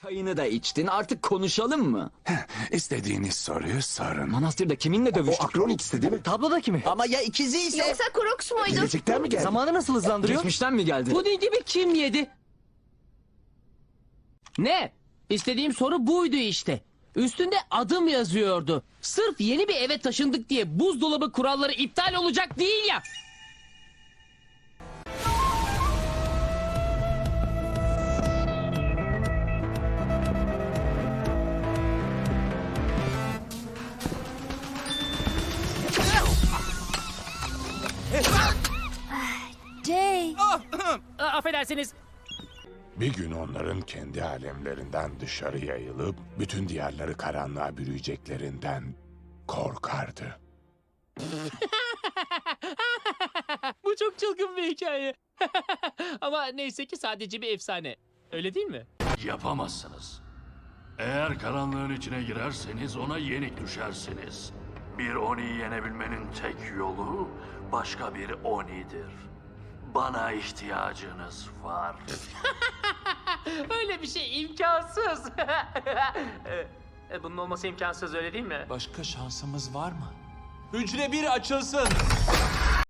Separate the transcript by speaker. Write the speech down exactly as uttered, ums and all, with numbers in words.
Speaker 1: Çayını da içtin, artık konuşalım mı?
Speaker 2: İstediğiniz soruyu sorun.
Speaker 1: Manastırda kiminle
Speaker 3: O
Speaker 1: dövüştük?
Speaker 3: Akronix'ti değil mi?
Speaker 4: Tablodaki mi?
Speaker 5: Ama ya ikizi ise?
Speaker 6: Yoksa Crooks muydu?
Speaker 3: Gelecekten mi geldi?
Speaker 4: Zamanı nasıl hızlandırıyor?
Speaker 1: Geçmişten mi geldi?
Speaker 4: Pudingi kim yedi? Ne? İstediğim soru buydu işte. Üstünde adım yazıyordu. Sırf yeni bir eve taşındık diye buzdolabı kuralları iptal olacak değil ya.
Speaker 6: Jay.
Speaker 4: A- affedersiniz.
Speaker 2: Bir gün onların kendi alemlerinden dışarı yayılıp bütün diyarları karanlığa bürüyeceklerinden korkardı.
Speaker 4: Bu çok çılgın bir hikaye. Ama neyse ki sadece bir efsane. Öyle değil mi?
Speaker 7: Yapamazsınız. Eğer karanlığın içine girerseniz ona yenik düşersiniz. Bir Oni'yi yenebilmenin tek yolu başka bir Oni'dir. Bana ihtiyacınız var.
Speaker 4: Öyle bir şey imkansız. E, Bunun olması imkansız öyle değil mi?
Speaker 8: Başka şansımız var mı? Hücre bir açılsın.